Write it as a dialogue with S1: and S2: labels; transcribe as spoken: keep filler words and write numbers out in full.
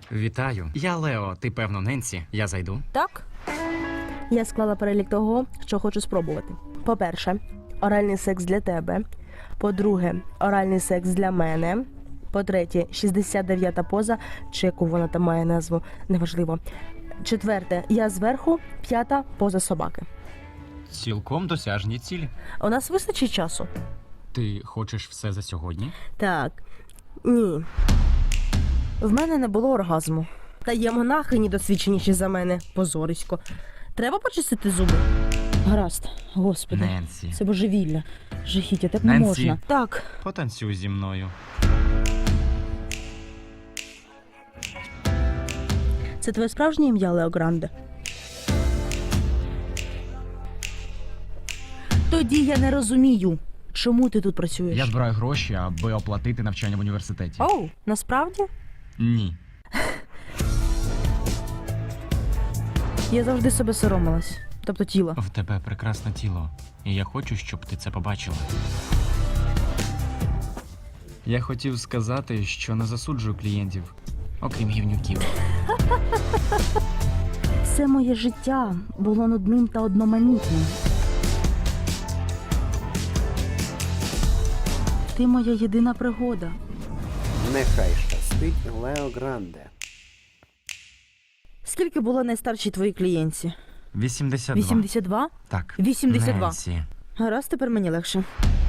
S1: Вітаю. Я Лео, ти певно Ненсі. Я зайду.
S2: Так? Я склала перелік того, що хочу спробувати. По-перше, оральний секс для тебе. По-друге, оральний секс для мене. По-третє, шістдесят дев'ята поза, чи яку вона там має назву, неважливо. Четверте, я зверху, п'ята поза собаки.
S1: Цілком досяжні цілі.
S2: У нас вистачить часу?
S1: Ти хочеш все за сьогодні?
S2: Так. Ні. В мене не було оргазму. Та є монахині досвідченіші за мене. Позорисько. Треба почистити зуби? Гаразд. Господи.
S1: Ненсі.
S2: Це божевілля. Жахіття, так не
S1: Ненсі.
S2: можна. Так.
S1: Потанцюй зі мною.
S2: Це твоє справжнє ім'я, Лео Гранде? Тоді я не розумію, чому ти тут працюєш.
S1: Я збираю гроші, аби оплатити навчання в університеті.
S2: Оу, насправді?
S1: Ні.
S2: Я завжди себе соромилась. Тобто тіло.
S1: В тебе прекрасне тіло. І я хочу, щоб ти це побачила. Я хотів сказати, що не засуджую клієнтів, окрім гівнюків.
S2: Все моє життя було нудним та одноманітним. Ти моя єдина пригода.
S3: Нехай щастить Лео Гранде.
S2: Скільки було найстаршій твоїй клієнтці?
S1: вісімдесят два.
S2: вісімдесят два?
S1: Так.
S2: вісімдесят два.
S1: Ненсі.
S2: Гаразд, тепер мені легше.